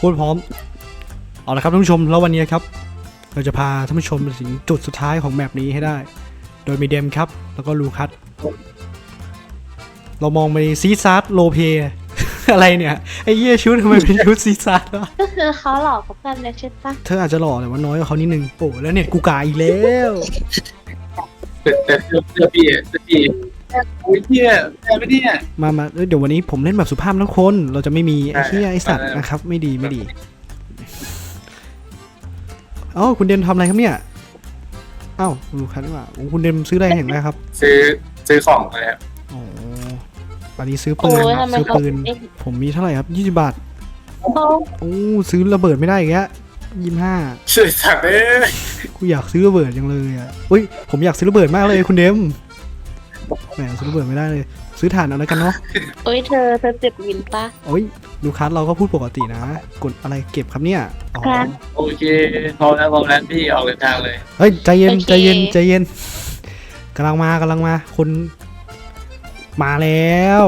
พูดพร้อมเอาละครับท่านผู้ชมแล้ววันนี้ครับเราจะพาท่านผู้ชมไปถึงจุดสุดท้ายของแมปนี้ให้ได้โดยมีเดมครับแล้วก็ลูคัสเรามองไปซีซาร์โลเพ อะไรเนี่ยไอ้เหี้ยชุดทำไมเป็นชุดซีซาร์วะก็คือเขาหลอกกับเพื่อนเลยใช่ปะเธออาจจะหล่อแต่ว่าน้อยกว่าเขานิดนึงโอ้แล้วเน็ตกูกาอีกแล้วแต่เสื้อพี่โอ้ยเนี่ยแม่ไม่เนี่ยมาเดี๋ยววันนี้ผมเล่นแบบสุภาพทุกคนเราจะไม่มีไอ้เหี้ยไอ้สัตว์นะครับไม่ดีเอ้าคุณเดมทำอะไรครับเนี่ยเอ้าลูคัสดีกว่าคุณเดมซื้ออะไรเห็นไหมครับซื้อของเลยครับอ๋ออันนี้ซื้อโอ้ปืนยครับทำไมซื้อเขาปืนเอ๊ะผมมีเท่าไหร่ครับ20 บาทเขาโอ้ซื้อระเบิดไม่ได้อีกแล้ว25 ช่วยสั่งเลยกูอยากซื้อระเบิดจังเลยอ่ะอุ้ยผมอยากซื้อระเบิดมากเลยคุณเดมแหมซื้อระเบิดไม่ได้เลย ซื้อถ่านเอาแล้วกันเนาะโอ้ยเธอเจ็บวินปะโอ้ยลูคัสเราก็พูดปกตินะกดอะไรเก็บครับเนี่ยอ๋อครับโอเคพร้อมแล้วพี่ออกเดินทางเลยเฮ้ยใจเย็นโอเคใจเย็นกำลังมาคนมาแล้ว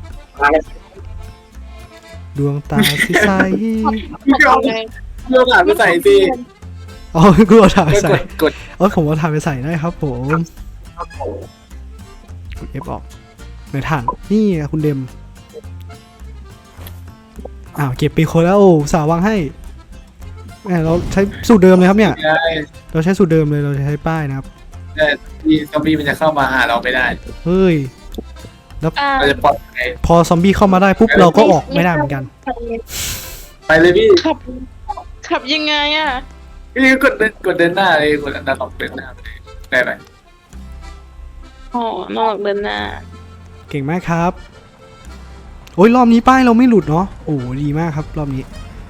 ดวงตาที่ใสพี่เอาเรื่องผ่านไปใส่สิอ๋อกูเอาถ่านไปใส่กดเออผมเอาถ่านไปใส่ได้ครับผมกด F ออกในถ่านนี่คุณเดมอ้าวเก็บปีโคแล้วสาววางให้แหมเราใช้สูตรเดิมเลยครับเนี่ยได้เราใช้สูตรเดิมเลยเราใช้ป้ายนะครับแต่ที่ซอมบี้มันจะเข้ามาหาเราไม่ได้เฮ้ยอ่าเราจะปลอดภัยพอซอมบี้เข้ามาได้ปุ๊บเราก็ออกไม่ได้เหมือนกันไปเลยพี่ขับยังไงอ่ะพี่กดเดินหน้าเลยกดอันดับเดินหน้าไปเลยได้ไหมอ๋อนอกเดินหน้าเก่งมากครับโอ้ยรอบนี้ป้ายเราไม่หลุดเนาะโอ้ดีมากครับรอบนี้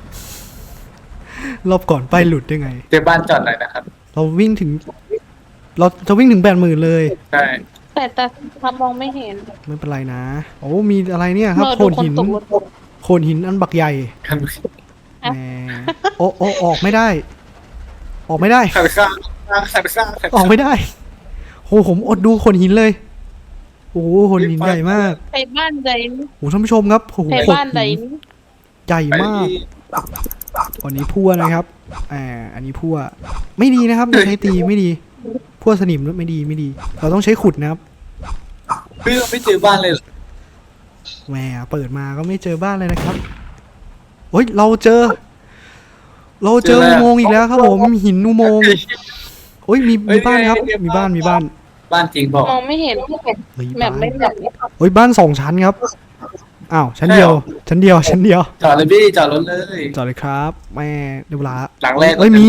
รอบก่อนป้ายหลุดได้ไงเจอบ้านจอดหน่อยนะครับเราจะวิ่งถึง80,000เลยใช่แต่ทำมองไม่เห็นไม่เป็นไรนะโอ้มีอะไรเนี่ยครับเออโขดูดคนหินตกรถโขดหินอันบักใหญ่กันแหมโอ้ออกไม่ได้ ออกไม่ได้ขัดข้างขัดข้างออกไม่ได้โหผมอดดูโขดหินเลยโอ้โหโขดหินใหญ่มากไปบ้านใดโอ้ท่านผู้ชมครับโอ้โหไปโขดบ้านใดหินใหญ่มากอันนี้พั่วนะครับอันนี้พั่วไม่ดีนะครับอย่าใช้ตีไม่ดีพั่วสนิมไม่ดีเราต้องใช้ขุดนะครับพี่เราไม่เจอบ้านเลยแหมเปิดมาก็ไม่เจอบ้านเลยนะครับเฮ้ยเราเจออุโมงค์อีกแล้วครับผมหินอุโมงค์โอ้ยมีบ้านครับมีบ้านบ้านจริงบอกมองไม่เห็นเฮ้ยแบบบ้านไม่แบบโอ้ยบ้าน2 ชั้นครับอ้าวชั้นเดียวจอดเลยพี่จอดรถเลยจอดเลยครับแม่เดี๋ยวเวลาหลังแรกเอ้ยมี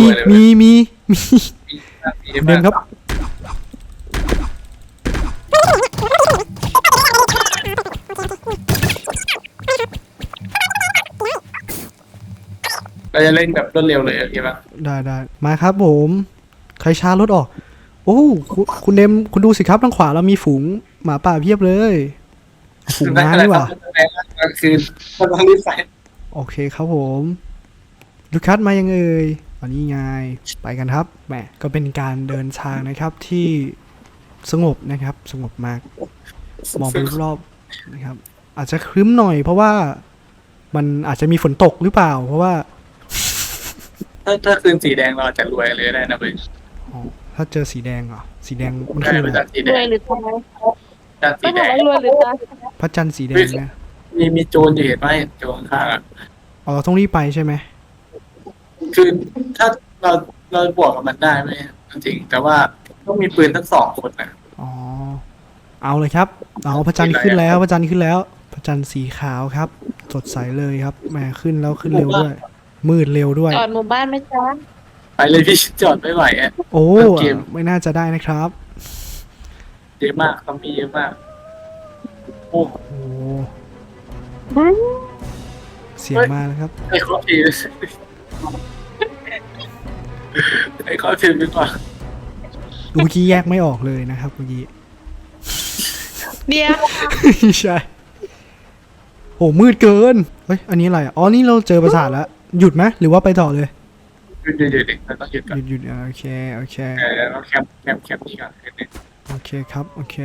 เดินครับเราจะเล่นแบบรวดเร็วเลยโอเคปะได้มาครับผมใครช้ารถออกโอ้คุณเดมคุณดูสิครับทางขวาเรามีฝูงหมาป่าเพียบเลยฝูงม้านี่หว่าคือมันต้องรีบใส่โอเคครับผมลูคัสมายังเอ่ยอันนี้ไงไปกันครับแหมก็เป็นการเดินทางนะครับที่สงบนะครับสงบมากมองไปรอบๆนะครับ อาจจะครึ้มหน่อย เพราะว่ามันอาจจะมีฝนตกหรือเปล่า เพราะว่าถ้าคืนสีแดงเราจะรวยเลยได้นะเว้ยอ๋อถ้าเจอสีแดงเหรอสีแดงมันได้คือเป็อะนไรจานสีรแดวยงหรือทำไมจานสีไม่แดถามงว่ารวยหรือตาพระจันทร์สีแดงนะมีโจรอยู่เห็นไหมโจรข้างอ่ะอ๋อเราต้องรีบไปใช่ไหมคือถ้าเราบวกกับมันได้ไหมจริงแต่ว่าต้องมีปืนทั้ง2 คนนะอ๋อเอาเลยครับเอาพระจันทร์ขึ้นแล้วพระจันทร์ขึ้นแล้วพระจันทร์สีขาวครับ สดใสเลยครับแหมขึ้นแล้วขึ้นเร็วด้วย มืดเร็วด้วยจอดหมู่บ้านไหมจ๊ะไปเลยพี่จอดไม่ไหวอ่ะโอ้เกมไม่น่าจะได้นะครับเยอะมากต้องมีเยอะมากโอ้โอ้เสียงมาแล้วครับไอ้ข้อพีไอ้ข้อพีดีกว่าเมื่อกี้แยกไม่ออกเลยนะครับเมื่อกี้เดียวใช่โหมืดเกินเฮ้ยอันนี้อะไรอ่ะอ๋อนี่เราเจอปราสาทแล้วหยุดไหมหรือว่าไปต่อเลยเดี๋ยวเราต้องหยุดก่อนหยุดโอเคเราแคปนี่ก่อนโอเคครับโอเค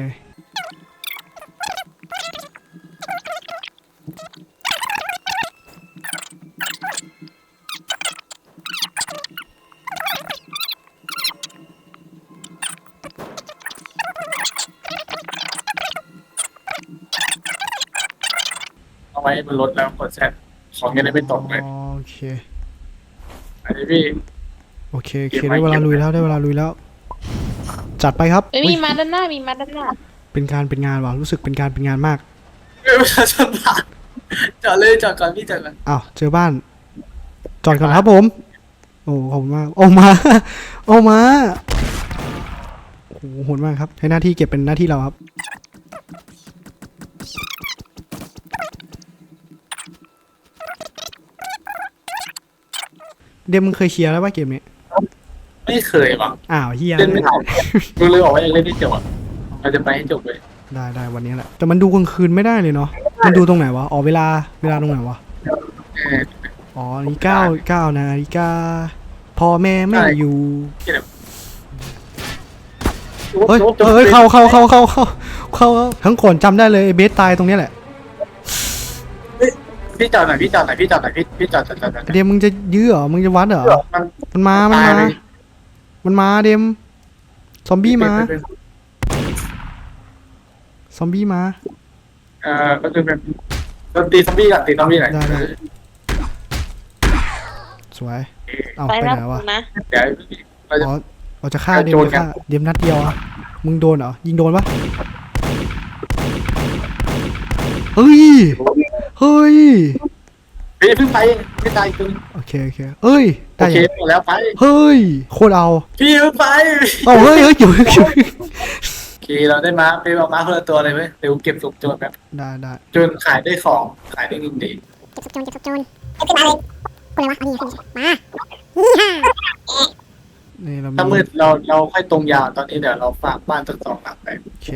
ไว้บนรถแล้วกดแซดของจะได้ไม่ตกเลยโอเคอันนี้พี่โอเคได้เวลาลุยแล้ว จัดไปครับเอ้ยมีมาด้านหน้ามีมาด้านหน้าเป็นงานว่ะรู้สึกเป็นงานมากประชาชนผ่านจอดเลยจอดก่อนพี่จอดก่อนอ้าวเจอบ้าน จอดก่อนครับผม โอ้ขอบคุณมากออกมา โอ้โหโหดมากครับให้หน้าที่เก็บเป็นหน้าที่เราครับ เดมมึงเคยเคลียร์แล้วป่ะเกมนี้ไม่เคยหรอกอ้าวเฮียเล่นไม่ทันกูเลยบอกว่ายังเล่นไม่จบเราจะไปให้จบเลยได้วันนี้แหละ แต่มันดูกลางคืนไม่ได้เลยเนาะ มันดูตรงไหนวะ อ๋อเวลาตรงไหนวะ อ๋อนี่เก้านาฬิกาพ่อแม่ไม่อยู่ เฮ้ยเข้าทั้งก่อนจำได้เลยไอ้เบสตายตรงเนี้ยแหละพี่จอดหน่อยพี่จอดเดมมึงจะยื้อเหรอ มึงจะวัดเหรอ มันมาเดม ซอมบี้มาก็คือเป็นตีซอมบี้ก่อนตีซอมบี้หน่อยได้ สวย เอาไปไปแล้วไหนวะนะเดี๋ยวเราจะอ๋อเราจะฆ่าเดมจะฆ่าเดมนัดเดียวอะมึงโดนเหรอ ยิงโดนปะเฮ้ยพี่เพิ่งไปไม่ตายคุณโอเคเอ้ยโอได้เคยังหมดแล้วไปเฮ้ย โคตรเอาพี่เพิ่งไปเอาเฮ้ยอยู่โอเคเราได้มาไปเอามาคนละตัวเลยเว้ยเดี๋ยวเก็บศพโจรแบบได้จนขายได้ของขายได้เงินดีเก็บศพโจรไม่ขึ้นมาเลยคนอะไรวะเอานี่มานี่เราถ้ามืดเราค่อยตรงยาวตอนนี้เดี๋ยวเราฝากบ้านตั้งสองหลังไปโอเค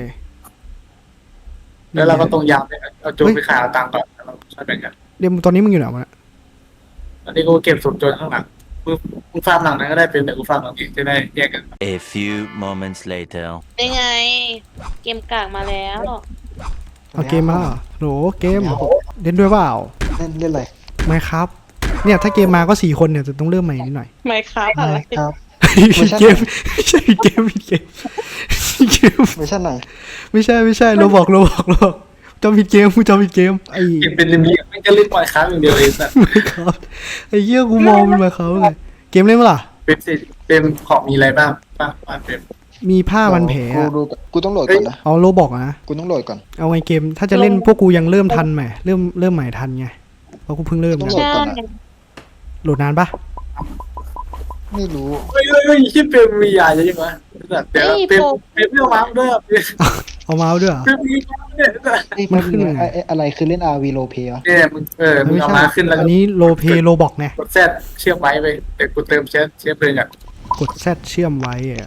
แล้วเราก็ตรงยาวไปเอาโจรไปขายเอาตังค์ก่อนแล้วเราช่วยแบ่งกันเดมตอนนี้มึงอยู่ไหนวะตอนนี้กูเก็บศพโจรข้างหลังมึงฟาร์มหลังนั้นก็ได้เป็นเดี๋ยวกูฟาร์มหลังนี้จะได้แยกกัน A few moments later. ได้ไง เกมกากมาแล้วเอาเกมมาเหรอโหลเกมเล่นด้วยเปล่าเล่นอะไรไม่ครับ เนี่ยถ้าเกมมาก็4 คนเนี่ยจะต้องเริ่มใหม่นิดหน่อยไม่ครับอะไรครับเกมไม่ใช่เกมผิดเกมเวอร์ชันไหนไม่ใช่เราบอกจำผิดเกมกูจำผิดเกมไอ้เก็บเป็นเรียไม่ก็เล่นปล่อยค้างอย่างเดียวเลยสัตว์ไม่ครับไอ้เหี้ยกูมองมันมาเขาเลยเกมเล่นมั้ยล่ะเป็นสิเป็นของมีอะไรบ้างบ้านเป็นมีผ้าพันแผลกูอะดูกูต้องโหลดก่อนนะเอาโลบอกนะกูต้องโหลดก่อนเอาไงเกมถ้าจะเล่นพวกกูยังเริ่มทันไหมเริ่มใหม่ทันไงเพราะกูเพิ่งเริ่มต้องนะโหลดใช่ก่อนนะโหลดนานปะไม่รู้เฮ้ยที่เป็นมียาเยอะจังวะเดี๋ยวเป็นเรื่องมาด้วยเอามาเอาด้วยเหรอเป็นมีเนี่ยมันขึ้นยังไงอะไรคือเล่น RV r o l e play วะเนี่ยมึงมึงเอามาขึ้นแล้วอันนี้โลเพโลบอกไงกดแซดเชื่อมไว้ไปเดี๋ยวกูเติมเชื้อเพลิงอ่ะกดแซดเชื่อมไว้อะ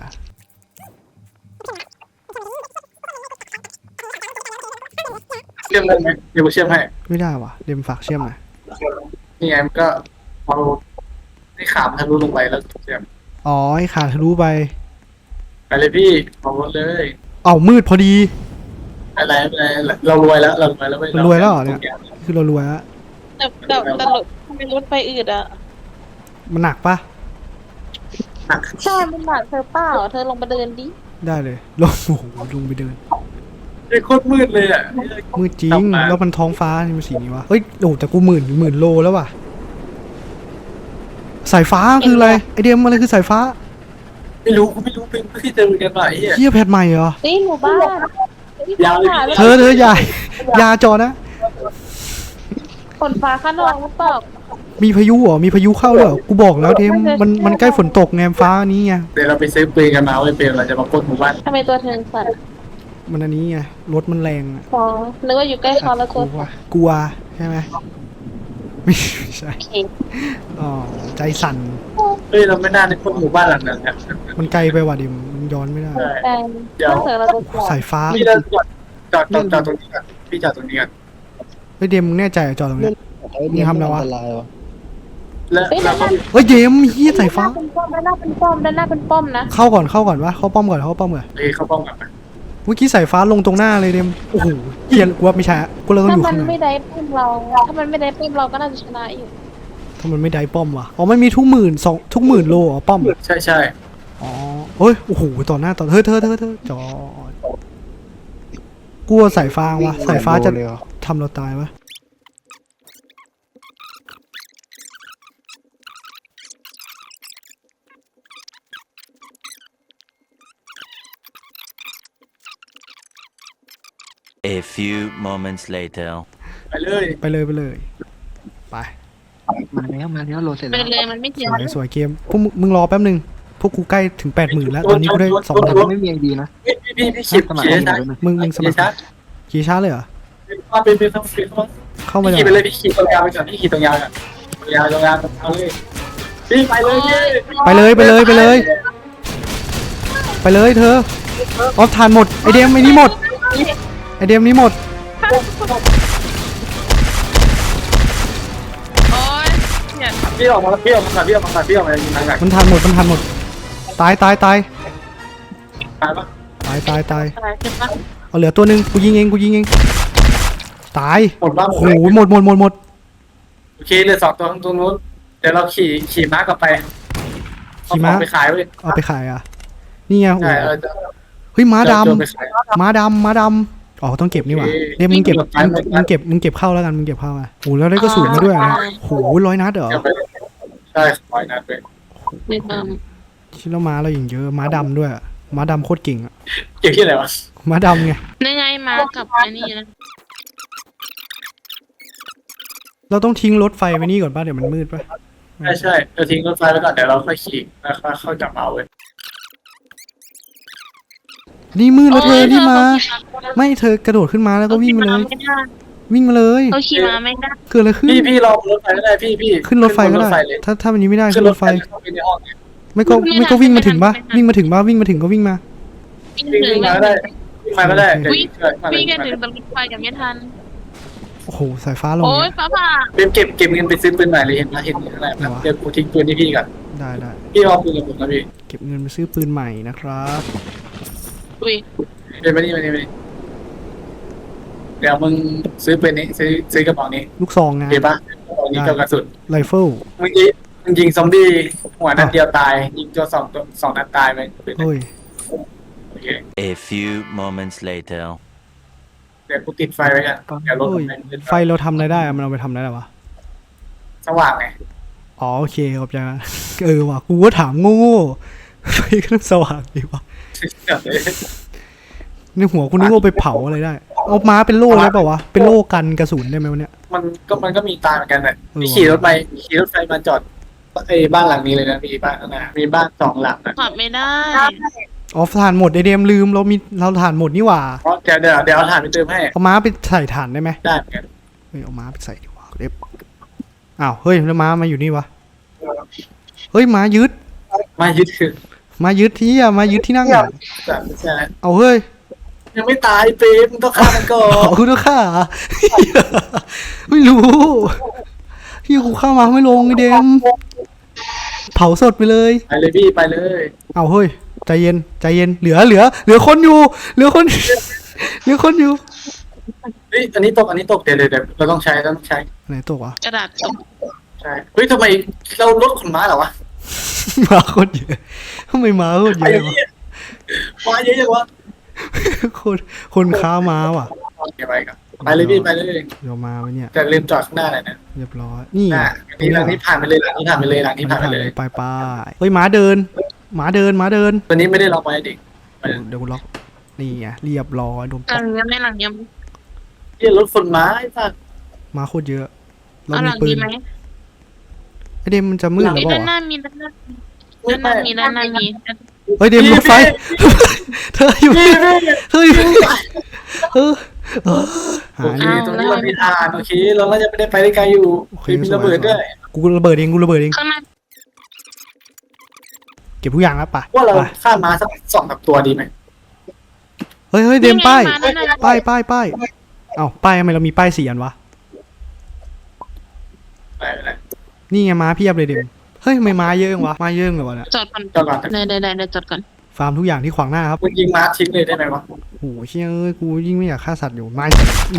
เชื่อมได้ไหมเดี๋ยวกูเชื่อมให้ไม่ได้ว่ะเดมฝากเชื่อมหน่อยนี่ไงมันก็เอาให้ขามทะลุลงไปแล้วเชื่อมอ๋อไอ้ขาดทะลุไปไปเลยพี่เอาเลยเอามืดพอดีอะไรเรารวยแล้วเรารวยแล้วคือเรารวยแล้วแต่รถทำไมรถไฟอืดอ่ะมันหนักปะใช่มันหนักเธอเปล่าเธอลงมาเดินดิได้เลยลงโอ้โหลงไปเดินไอ้โคตรมืดเลยอ่ะมืดจริงแล้วมันท้องฟ้านี่มันสีนี้วะเฮ้ยโอ้แต่กูหมื่นโลแล้วว่ะสายฟ้าคืออะไรไอเดมอะไรคือสายฟ้าไม่รู้เป็นที่เจอกันมาไอ้เหี้ยเฮียแพทใหม่เหรอนี่หมู่บ้านยาวเลยเธออย่าจอนะฝนฟ้าข้างนอกหรือเปล่ามีพายุเหรอมีพายุเข้าด้วยเหรอกูบอกแล้วเดมมันใกล้ฝนตกไงฟ้านี้ไงเดี๋ยวเราไปซื้อปืนกันมาไว้เป็นเราจะมาปล้นหมู่บ้านทำไมตัวเธอสั่นมันอันนี้ไงรถมันแรงอะอ๋อนึกว่าอยู่ใกล้เขาแล้วตัวสั่นกลัวใช่ไหมไม่ใช่โอเคอ๋อใจสั่นเฮ้ยเราไม่น่าได้ปล้นหมู่บ้านหลังนั้นครับมันไกลไปว่ะเดมมันย้อนไม่ได้แต่ถ้าเธอเราตัวสั่นสายฟ้าพี่เราจอดตรงนี้ก่อนพี่จอดตรงนี้ก่อนเฮ้ยเดมมึงแน่ใจเหรอจอดตรงเนี้ย มึงทำอะไรวะอันตรายวะแล้วเฮ้ยเราด้านหก็น้าเฮ้ยเดมเฮียสายฟ้าด้านหน้าเป็นป้อมด้านหน้าเป็นป้อมนะเข้าก่อนวะเข้าป้อมก่อนเฮ้ยเขาป้องกันเมื่อกี้สายฟ้าลงตรงหน้าเลยเดมโอ้โหเฮียกูว่าไม่ใช่อะกูเราต้องถ้าอยู่มันข้างในไม่ได้ป้อมเรา ถ้ามันไม่ได้ป้อมเราก็น่าจะชนะอยู่ถ้ามันไม่ได้ป้อมว่ะอ๋อมันมีทุกหมื่นโลอ๋อป้อมใช่อ๋อเฮ้ยโอ้โหต่อหน้าต่อเธอจอดกลัวสายฟ้าวะสายฟ้าจะเลยเหรอทำเราตายวะ A few moments later. ไปเลยไปเลยไปเลยไปมาแล้วโหลดเสร็จไปแล้วเลยมันไม่ถึสงวยสวยเกมพวกมึงรอแป๊บนึงพวกกูใกล้ถึง 80,000แล้วตอนนี้กูได้แต่ 2,000 ไม่มีไอดีนะพี่ขีดสมัครขีดให้หน่ช้าอยได้ไหมมึงสมัครช้าขี่ช้าเลยเหรอเป็นเข้าไปเข้ามาพี่เลยขี่ไปเลยพี่ขี่ตรงยาวไปก่อนพี่ขี่ตรงยาวก่อนตรงยาวเอาเลยพี่ไปเลยพี่ไปเลยไปเลยไปเลยไปเลยเธอออฟทานหมดไอเดมไอนี้หมดไอเดมนี้หมดโอ๊ยเนี่ยพี่ออกมาพี่ออกมายิงทางไหนมันทานหมดตายตายปะตายอะไรเจ็บปะเอาเหลือตัวหนึ่งกูยิงเองตายหมดบ้างโอ้โหหมดโอเคเหลือ2ตัวตรงนู้นเดี๋ยวเราขี่ม้ากลับไปไปขายเว้ยเอาไปขายอ่ะนี่ไงโอ้โหใช่เฮ้ยม้าดไปขายำอ๋อต้องเก็บนี่หว่าโอเคเดี๋ยวมึงเก็บหมดมึงเก็บเข้าแล้วกันมึงเก็บเข้าอ่ะโอ้โหแล้วได้กระสุนมาด้วยนะโอ้โห100 นัดเหรอใช่ขอยนัดไปเด็กชิ้นแล้วม้าเราอย่างเยอะม้าดำด้วยอะม้าดำโคตรเก่งอ่ะเกี่ยวที่อะไรวะม้าดำไงนี่ไงมากับไอ้นี่นะเราต้องทิ้งรถไฟไว้นี่ก่อนป่ะเดี๋ยวมันมืดป่ะใช่เราทิ้งรถไฟไว้ก่อนเดี๋ยวเราค่อยขี่แล้วค่อยกลับมาเว้ยนี่มืดแล้วเธอนี่มาไม่เธอกระโดดขึ้นมาแล้วก็วิ่งมาเลย วิ่งมาเลยเขาขี่มาไม่ได้เกิดอะไรขึ้นพี่รอรถไฟก็ได้พี่ขึ้นรถไฟก็ได้เลยถ้าวันนี้ไม่ได้ขึ้ขึ้นนรรถถไฟไฟเข้าไปในห้องไม่ก็วิ่งมาถึงปะวิ่งมาถึงก็วิ่งมาวิ่งมาก็ได้วิ่งมาก็ได้วิ่งกันถึงตรงรถไฟกันไม่ทันโอ้โหสายฟ้าลงโอ๊ยเนี่ยฟ้าผ่าเก็บเงินไปซื้อปืนใหม่เลยเห็นไหมเห็นอะไรนะเดี๋ยวกูทิ้งปืนที่พี่ก่อนได้พี่เอาปืนกับผมนะพี่เก็บเงินไปซื้อปืนใหม่นะครับอุ้ยเป็นมานี่เดี๋ยวมึงซื้อปืนนี้ซื้อกระเป๋านี้ลูกซองนะเห็นปะกระเป๋านี้กับกระสุนไรเฟิลมึงยิงซอมบี้หัวนัดเดียวตายยิงตัวสองนัดตายไปเฮ้ยโอเค A few moments later. เดี๋ยวกูติดไฟไว้กันเดี๋ยวรถเฮ้ยไฟเราทำอะไรได้อะมันเอาไปทำอะไรได้วะสว่างไงอ๋อโอเคขอบใจนะว่ะกูก็ถามโง่ๆไฟก็ต้องสว่างดีวะในหัวกูนึกว่าไปเผาอะไรได้เอาม้าเป็นโล่ได้ป่าวะเป็นโล่กันกระสุนได้ไหมวะเนี่ยมันก็มีตายเหมือนกันแหละเออพี่ขี่รถไฟมาจอดไอ้บ้านหลังนี้เลยนะมีบ้านนะมีบ้าน2 หลังนะขับไม่ได้อ๋อถ่านหมดไอเดมลืมเราถ่านหมดนี่หว่าเพราะเดี๋ยวเอาถ่านไปเติมให้เอาม้าไปใส่ถ่านได้ไหมได้เหมือนกันเฮ้ยเอาม้าไปใส่ดีกว่าเด็บอ้าวเฮ้ยแล้วม้ามาอยู่นี่วะเฮ้ยม้ายึดมายึดคือม้ายึดที่อะม้ายึดที่นั่งอะใช่เอาเฮ้ยยังไม่ตายเปรมต้องฆ่ามันก่ออ๋อน คุณต้องฆ่าเหรอไม่รู้พี่กูฆ่ามาไม่ลงไอเดมเผาสดไปเลยไปเลยพี่ไปเลยเอาเฮ้ยใจเย็นเหลือคนอยู่เหลือคนอยู่เฮ้ยอันนี้ตกเดี๋ยวเราต้องใช้ไหนตกวะกระดาษตกใช่เฮ้ยทำไมเราลดขนม้าเหรอวะมาโคตรเยอะทำไมมาโคตรเยไอ้อะวะเหี้ยมาเยอะจังวะคนค้ามาว่ะเก็บไปกันไปเลยพี่ไปเลยเดี๋ยวมาไว้เนี่ยแต่ลืมจอดข้างหน้าหน่อยนะเรียบร้อยนี่หลังนี้ผ่านไปเลยหลังนี้ผ่านไปเลยไปเฮ้ยหมาเดินตัวนี้ไม่ได้ล็อกไว้เด็กเดี๋ยวกูล็อกนี่ไงเรียบร้อยโดนหลังยังไม่หลังยังเหี้ยรถขนม้าไอ้สัสมาโคตรเยอะเราเอาหมีลังปืดีนไหมไอเดมมันจะมืดหรือไอ้เปด้านหล่าน้ามีด้านหน้ามีเฮ้ยเดมรถไฟเธออยู่หาโอเคนี่ตรงนี้มันมีทางโอเคเราน่าจะไม่ได้ไปได้ไกลอยู่มีระเบิดด้วยกูระเบิดเองข้างหน้าเก็บทุกอย่างแล้วป่ะว่าเราฆ่าม้าสัก2 ตัวดีไหมเฮ้ยเดมป้ายเอ้าป้ายทำไมเรามีป้าย4 อันวะไปเลยนี่ไงม้าเพียบเลยเดมเฮ้ยทำไมม้าเยอะจังวะม้าเยอะเลยวะเนี่ยจอดก่อนจอดก่อนได้จอดก่อนฟาร์มทุกอย่างที่ขวางหน้าครับมึงยิงม้าทิ้งเลยได้ไหมวะโอ้โหเชี่ยเอ้ยกูยิ่งไม่อยากฆ่าสัตว์อยู่ไม่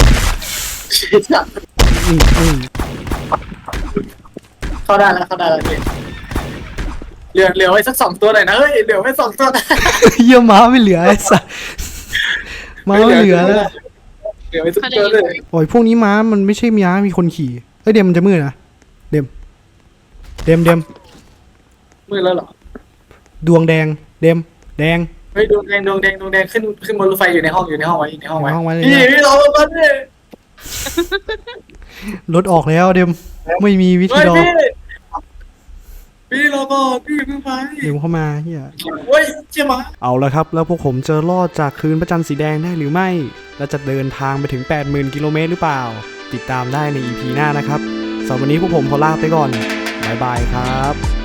เข้าได้แล้วพี่เหลือไว้สัก2 ตัวหน่อยนะเฮ้ยเหลือไว้2 ตัวเยี่ยม้าไม่เหลือไอ้สัสม้าไม่เหลือแล้วเหลือไว้สักตัวเลยโอ้ยพวกนี้ม้ามันไม่ใช่ม้ามีคนขี่เฮ้ยเดมมันจะมืดนะเดมมืดแล้วเหรอดวงแดงเดมแดงไม่ฮ้ยดวงแดงขึ้นบนรถไฟอยู่ในห้องไว้อยู่ในห้องไว้อยู่ในห้องไว้เลยพี่รอมาดิรถออกแล้วเดมไม่มีวิธีเฮ้ยรอพี่รอก่อนพี่เพิ่งไปเดี๋ยวเข้ามาเฮียเฮ้ยเจี๊ยบมาเอาละครับ แล้วพวกผมจะรอดจากคืนพระจันทร์สีแดงได้หรือไม่ และจะเดินทางไปถึง 80,000 กิโลเมตรหรือเปล่า ติดตามได้ใน EP หน้านะครับสำหรับวันนี้พวกผมขอลาไปก่อนบ๊ายบายครับ